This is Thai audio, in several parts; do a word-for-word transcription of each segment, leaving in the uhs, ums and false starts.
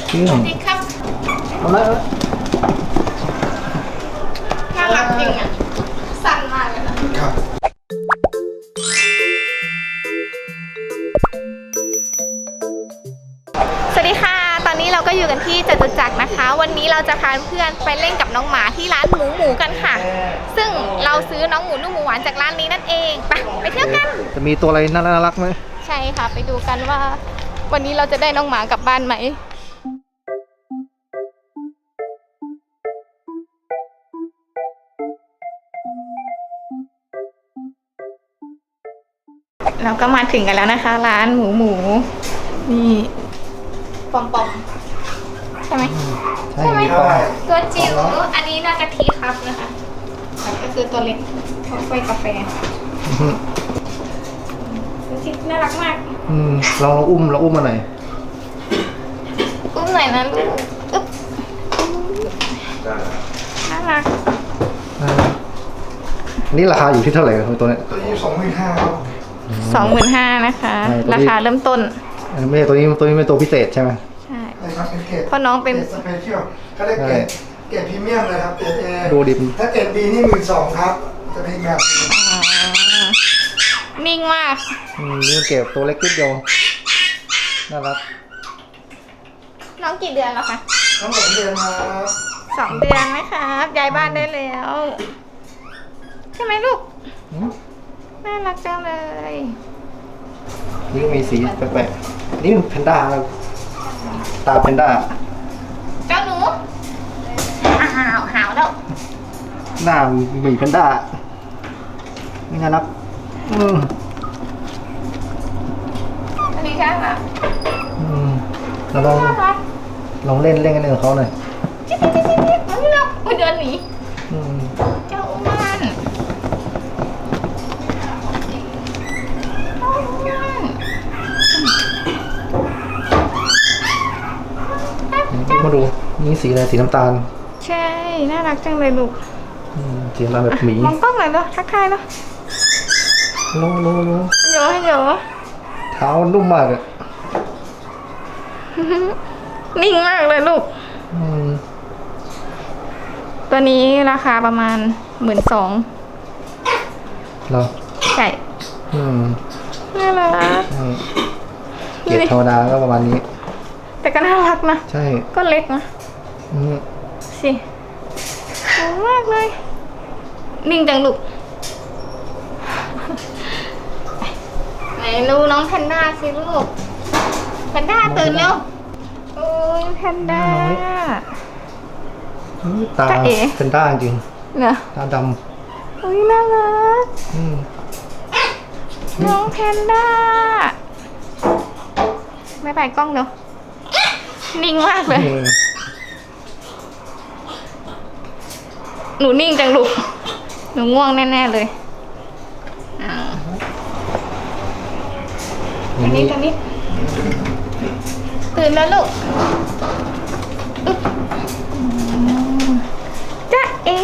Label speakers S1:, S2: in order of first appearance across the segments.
S1: ชื่อสวัสดีครับเอาละ
S2: น่ารักจริงอ่ะสั่นมากเลยนะครับสวัสดีค่ะตอนนี้เราก็อยู่กันที่จตุจักรนะคะวันนี้เราจะพาเพื่อนไปเล่นกับน้องหมาที่ร้านหมูหมูกันค่ะซึ่งเราซื้อน้องหมูนุ่มหมูหวานจากร้านนี้นั่นเองไปไปเที่ยวกัน
S1: จะมีตัวอะไรน่ารักไหม
S2: ใช่ค่ะไปดูกันว่าวันนี้เราจะได้น้องหมากลับบ้านไหมเราก็มาถึงกันแล้วนะคะร้านหมูหมูนี่ปอมปอมใช่ไหม
S1: ใช่ไหม
S2: ตัวจิ๋วอันนี้น่าจะทีครับนะคะก็คือตัวเล็กเขาไฟกาแฟดูสิน่ารักมาก
S1: อืมเราอุ้มเราอุ้มมาหน่อย
S2: อุ้มหน่อยนะลูกอึ๊บน่ารัก
S1: นี่ราคาอยู่ที่เท่าไหร่ตัวนี้
S3: ตัวนี้สองหมื่นห้า
S2: สองหมื่นห้านะคะราคาเริ่มต้น
S1: ไม่ใช่ตัวนี้ตัวนี้เป็นตัวพิเศษใช่ไหม
S2: ใช่
S3: เพราะ
S2: น้องเป็น
S3: สเปเชียลเขาเรียกเกรดเกรดพรีเมียมเลยครับเกรดเอ
S1: ดูดิ
S3: ถ้าเกรดบีนี่หมื่นสองครับจะเป็นแบบ
S2: นิ่งมาก
S1: อืมนี่เก็บตัวเล็กนิดเดียวน่ารัก
S2: น้องกี่เดือนแล้วคะ
S3: น้องสองเดือนมา
S2: สองเดือนไหมคะย้ายบ้านได้แล้วใช่ไหมลูกน่ารักจังเลย
S1: นี่มีสีแปลกๆนี่แพนด้าตาแพนด้า
S2: เจ้าหนูหาวหาวแล้ว
S1: หน้าหมีแพนด้าไม่น่ารักอืม
S2: อันนี้ใช่ไหม
S1: อืมเราลองลองเล่นเล่นกันกับเขาหน่อย
S2: จิ๊บจิ๊บจิ๊บจิ๊บมันเนาะมันเดินหนีเจ้าอ้วน
S1: มาดูนี่สีอะไรสีน้ำตาล
S2: ใช่น่ารักจังเลยลูก
S1: สีน้ำตาลแบบหมี
S2: มองกล้องหน่อยเนาะทักทายเนาะ
S1: โลโลโล
S2: โยโย
S1: เท้านุ่มมากเลย
S2: นิ่งมากเลยลูกตัวนี้ราคาประมาณหมื่นสอง
S1: เหรอ
S2: ใช่น่ารัก
S1: เกียรติธรรมดาก็ประมาณนี้
S2: แต่ก็น่ารักนะ
S1: ใช่
S2: ก็เล็กนะสิสวยมากเลยนิ่งจังลูกไหนดูน้องแพนด้าสิลูกแพนด้าตื่นแล้วโอ้ยแพนด้า
S1: ตาแพนด้าจริง
S2: เนอะ
S1: ตาดำ
S2: โอ้ยน่ารักน้องแพนด้าไม่ไปกล้องเนาะนิ่งมากเลยหนูนิ่งจังลูกหนูง่วงแน่ๆเลยอันนี้อันนี้ตื่นแล้วลูกจ๊ะเอ๋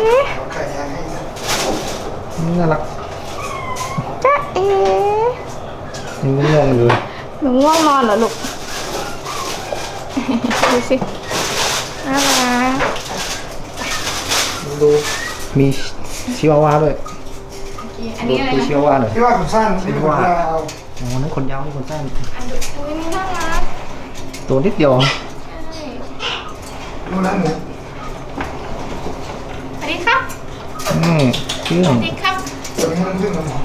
S1: น่ารัก
S2: จ๊ะเอ๋
S1: ยังง่วงอยู่
S2: หนูง่วงนอนเหรอลูกดูสิน่ารัก
S1: ดูมีชิวาวาด้วย
S2: อันนี้อะไรนะ
S1: ชิวาวาหน่อย
S3: ชิวาขนสั้นชิวายาว
S1: อ๋อนั่นขนยาวนี่ขนสั้น
S2: อันดูอุ้ยน่ารัก
S1: ตัวนิดเดียว
S3: ดูนั่นหนึ่ง
S2: สวัสดีครับ
S1: อืมชื่อ
S2: สวัสดีครับ
S3: ตัวนี้มันขึ้นมาหมด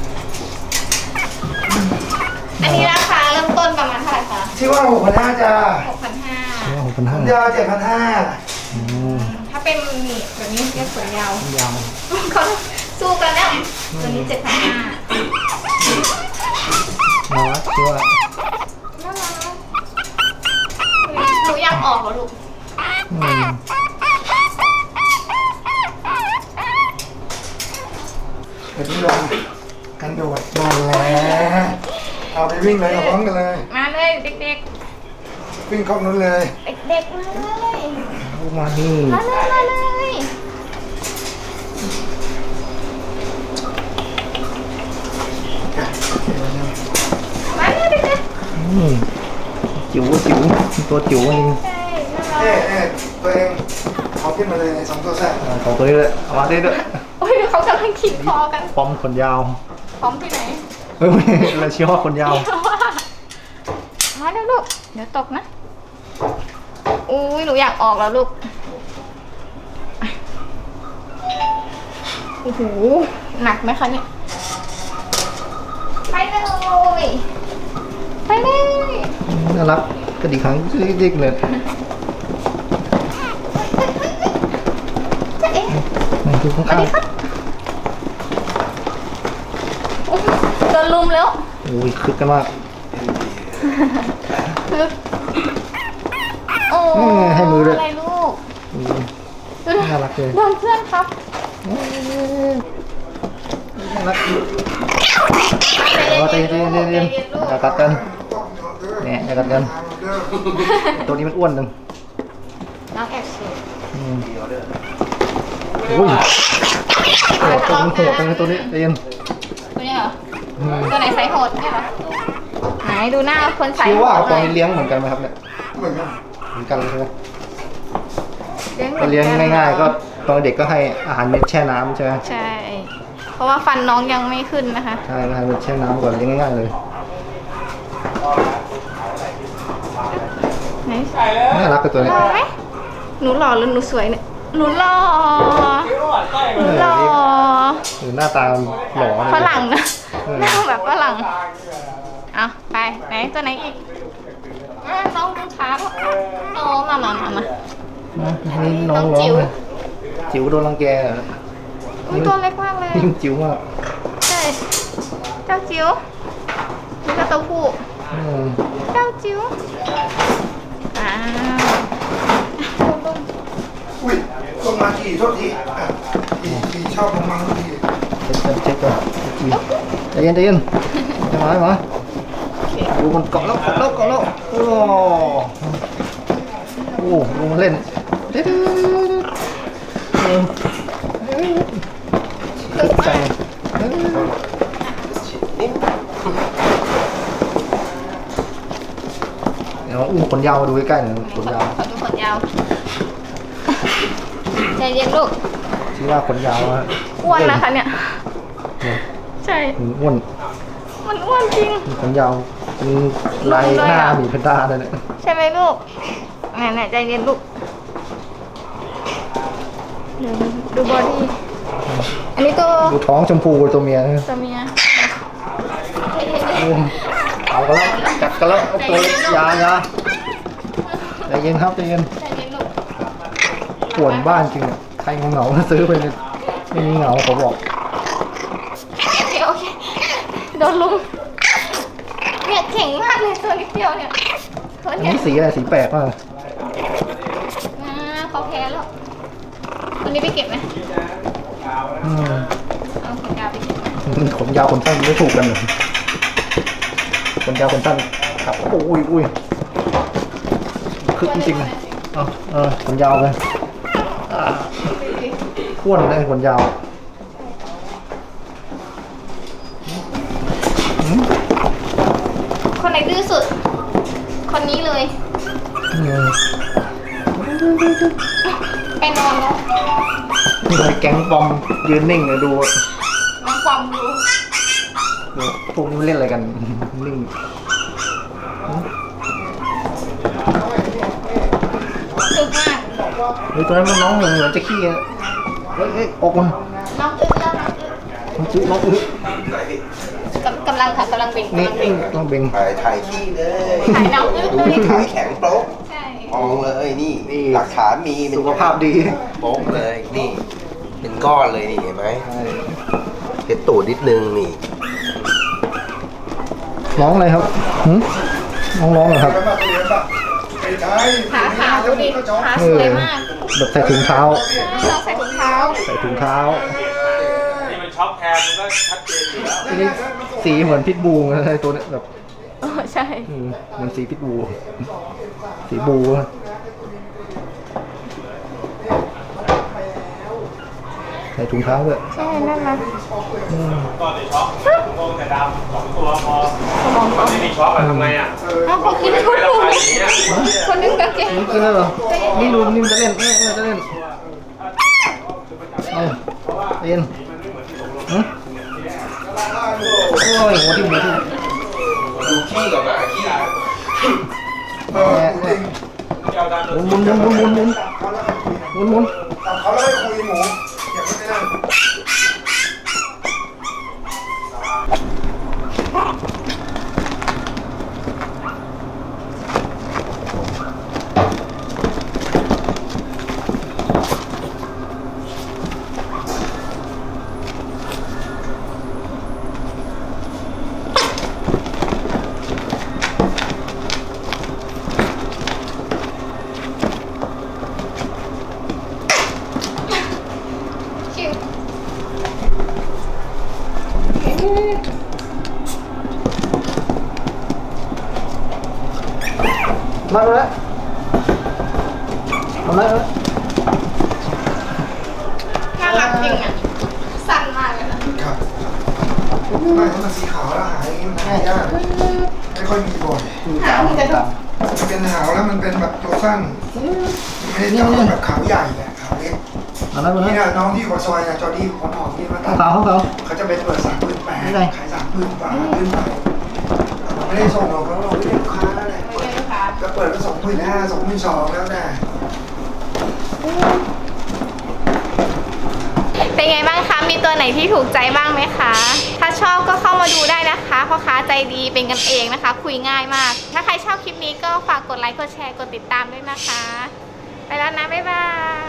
S2: อันนี้ราคาเริ่มต้นประมาณเท่าไหร่คะ
S3: ชื่อว่าหกพันห้าจ้า
S2: หกพันห้า
S1: หกพันห้าย
S3: าวเจ็ดพันห้า
S2: ถ้าเป็นนี่แบบนี้เรียกขนยาวย
S1: าว
S2: เขาสู้กันแล้วตัวนี้เจ็ดพันห้า
S1: น่ารักชื่อว่า
S2: น่ารักหนูอยากออกเหรอลูก
S3: เดี๋ยวพี่ลองกันโดดมาแล้วเอาไปวิ่งเลยเอาพร้อมกันเลย
S2: มาเลยเด็ก
S3: ๆวิ่งเข้านู้นเลย
S2: เด็กๆเลย
S1: มาที่
S2: มาเลยมาเลยมาเลยเด็กๆ
S1: จิ๋วจิ๋วตัวจิ๋วเอง
S2: ใช่
S3: เนี่ยเนี่ยตัวเองเอาขึ้นมาเลยในสองตัวแท้
S1: อ่าของตัวนี้เลยเอามาได้ด้วย
S2: โอ้ยเขากำลังขีดคอกัน
S1: พร้อมขนยาว
S2: พร้อมที่ไหน
S1: เฮ้ยไม่เราเชื่อว่าขนยาว
S2: มาแล้วลูก เดี๋ยวตกนะ อุ้ยหนูอยากออกแล้วลูก โอ้โห หนักไหมคะเนี่ย ไปเลย ไปเลย
S1: น่ารักกระดิกหางดิกๆเลย
S2: จะเอ๊ะ
S1: นี่ดูข้าง
S2: สวัสดีครับโอ้ยโดนลุมแล้ว
S1: ๆโอ้ยคึกกันมาก
S2: คือโอ้
S1: อืมให้มือด้วย
S2: อะไรลูก
S1: อืมน่ารักเลย
S2: โดนเพื่อนครับ
S1: น่ารักเอาใจเย็นๆเย็นๆอย่ากัดกันเนี่ยอย่ากัดกันตัวนี้มันอ้วนหนึ่ง
S2: น้องแอบเชียร์
S1: อืมอุ้ยโหดตัวนี้โหดตัวนี้ตัวนี้ใจเย็น
S2: ตัวนี้เหรอ
S1: อืม
S2: ตัวไหนไซส์โหดเนี่ยเหรอไหนดูหน้าคนไซส์
S1: คิด
S2: โห
S1: ว่า
S2: ด
S1: ตัว
S2: หน่อย
S1: นี้เลี้ยงเหมือนกันไหมครับเนี่ย
S3: เหมือนกัน
S1: เหมือนกันเลยใช่ไหม
S2: เลี้ยงหมื
S1: ก็
S2: อนน
S1: เลี้ยงง่ายๆ ก็ตอนเด็กก็ให้อาหารเม็ดแช่น้ำใช่ไหม
S2: ใช่ เพราะว่าฟันน้องยังไม่ขึ้นนะคะ
S1: ใช่อาหารเม็ดแช่น้ำก่อนเลี้ยงง่ายๆเลย
S2: ไหน
S1: น่ารักกับตัวนี้
S2: หล่อไหมหนูหล่อหรือหนูสวยเนี่ย หนูหล่อหนูหล่อ
S1: หรือหน้าตาหล่อเลย
S2: ฝรั่งนะ
S1: เออ
S2: หน้าแบบฝรั่ง เอาไปไหนตัวไหนอีกอ่ะน้องดูขาป่ะโอ้มามามามา
S1: นะนี่น้อง
S2: น้อง
S1: ร้อ
S2: จิ๋
S1: ง
S2: ว
S1: เลยจิ๋วโดนรังแกเหรอ
S2: อุ้ยตัวเล็กมากเลย
S1: นี่มันจิ๋วมาก
S2: ใช่ เจ้าจิ๋วนี่ก็ตัวผู้
S1: อืม
S2: เจ้าจิ๋วอ้าว
S3: อุ้ยลงมาทีโทษทีอ่ะทีทีชอบลงมาทุกที
S1: เช็ดก่อนเช็ดก่อนอุ๊ยใจเย็นใจเย็นจะมาไหมดูมันเกาะแล้วเกาะแล้วเกาะแล้วโอ้โหลงมาเล่นเด็ดเออตึกใจเออเดี๋ยวอุ้มขนยาวมาดูใกล้ๆหน่อยขนยาว
S2: ขอดูขนยาว ใจเย็นลูก
S1: ชื่อว่าขนยาวอะ
S2: อ้วนนะคะเนี่ย
S1: เนี่ย
S2: ใช่
S1: มันอ้วน
S2: มันอ้วนจริง
S1: ขนยาวเป็นลายหน้าหมีแพนด้าเลยเนี่ย
S2: ใช่ไหมลูกไหนๆใจเย็นลูกเดี๋ยวดูบอดี้ อันนี้ตัว
S1: ดูท้องชมพูตัวเมียนะ
S2: ตัวเมีย
S1: โอ้เอากันแล้วจัดกันแล้วเอาตัวเล็กยายาใจเย็นครับใจเย็น
S2: ใจเย็นลูก
S1: ปวดบ้านจริงอะใครเหงาๆซื้อไปเลยไม่มีเหงาเขาบอก
S2: โอเคโอเคโดนลุมเนี่ยเก่งมากเลยตัวนิดเดียวเนี่ยตัว
S1: อัน
S2: เนี้ย
S1: นี้สีอะไรสีแปลกมาก
S2: อ่าเขาแพ้แล้ววันนี้ไปเก็บไหม
S1: อืม
S2: เอาขนยาวไปเก็บไหม
S1: ขนยาวขนสั้นไม่ถูกกันเลยขนยาวขนสั้นครับโอ้ยอุ้ยคึกจริงๆเลยเอาเออขนยาวเลยอ่าอ้วนเลยขนยาวอืม
S2: คนไหนดื้อสุด คนนี้เลย
S1: อืม
S2: ไปนอนแล้ว
S1: นี่เลยแก๊งบอมยืนนิ่งเลยดู
S2: น้องความดู
S1: ดูพวกนี้มันเล่นอะไรกันนิ่ง
S2: ตึกมาก
S1: เฮ้ยตัวนั้นมันน้องเหมือนเหมือนจะขี้อะเฮ้ยเฮ้ยออกมัน
S2: น้องอึแล้วน้องอึ
S1: มันจืดน้องอึ
S2: กำกำลังค่ะกำลังเบ่ง
S1: นี่
S2: กำลังเบ่ง
S1: ต้องเบ่ง
S4: ถ่ายถ่ายขี้เลย
S2: ถ่ายน้องอึ
S4: ดู
S2: เลย
S4: ที่ถ่ายแข็งโป๊ก
S2: ใช่
S4: มองเลยนี่
S1: นี่
S4: หลักฐานมีเป็น
S1: สุขภาพดี
S4: โป๊กเลยนี่ เป็นก้อนเลยนี่เห็นไหม
S1: ใช่
S4: เก็ดตูดนิดนึงนี่
S1: ร้องอะไรครับหืมน้องร้องเหรอครับ
S3: ไปมาตัวเลี้ยงปะไปใช้
S2: ขาขาวดูดิขา
S1: เอ
S2: ส
S1: อ
S2: วยมาก
S1: แบบใส่ถุงเท้า
S2: ใช่น้องใส่ถุงเท้า
S1: ใส่ถุงเท้า
S5: นี่มันช็อปแทนมันก็ชัดเจนอยู่แล้ว
S1: ทีนี้สีเหมือนพิทบูเลยตัวเนี้ยแบบ
S2: เออใช่
S1: อืมเหมือนสีพิทบู สีบูอะใส่ถุงเท้าด้วย
S2: ใช่นั่นนะ
S1: อืม
S5: ก่อนในช็อปงงแต่ดามสองตัวพอมันไม่มีช็อคอะทำไงอะ
S2: เอาขอกินทุกคนคนนึงก็เก่ง
S1: นี่กินแล้วเหรอนี่ดูนี่มันจะเล่นเออเออจะเล่นเออเล่นหืมโอ้ยหัวทิ่มหัวทิ่ม
S4: ดูขี้กับหมาขี้
S3: เออจริง
S1: หมุนหมุนหมุนหมุนหมุนหมุนหมุน
S3: จับเขาแล้วไปคุยหมูอย่าไปนั่ง
S2: คิว
S1: มาแล้วมาแล้ว
S2: น่ารักจริงอ่ะสั่นมากเลยนะครับ
S3: ไม่ถ้ามันสีขาวแล้วหายอย่างนี้มันหายากไม่ค่อยมีบ่อย
S1: ตามตาม
S3: มันเป็นหาวแล้วมันเป็นแบบตัวสั้นไม่ได้จับแบบขาวใหญ่อะขาวเล็ก
S1: มาแล้วมา
S3: นี่
S1: แล้ว
S3: นะน้องที่หัวซอยนะจอร์ดี้ผมหอมนี่มาตัด
S1: ขาวขาว
S3: เขาจะเป็นเปิดสามหมื่นแปด
S1: นี่ไง
S3: ขายสามหมื่นกว่าขึ้นไปเราไม่ได้ส่งหรอกเราไม่ได้ลูกค้าแหละก็เปิดก็สองหมื่นห้าสองหมื่นสองแล้วแต่
S2: เป็นไงบ้างคะ มีตัวไหนที่ถูกใจบ้างไหมคะ ถ้าชอบก็เข้ามาดูได้นะคะพ่อค้าใจดีเป็นกันเองนะคะ คุยง่ายมาก ถ้าใครชอบคลิปนี้ก็ฝากกดไลค์ กดแชร์ กดติดตามด้วยนะคะ ไปแล้วนะ บ๊ายบาย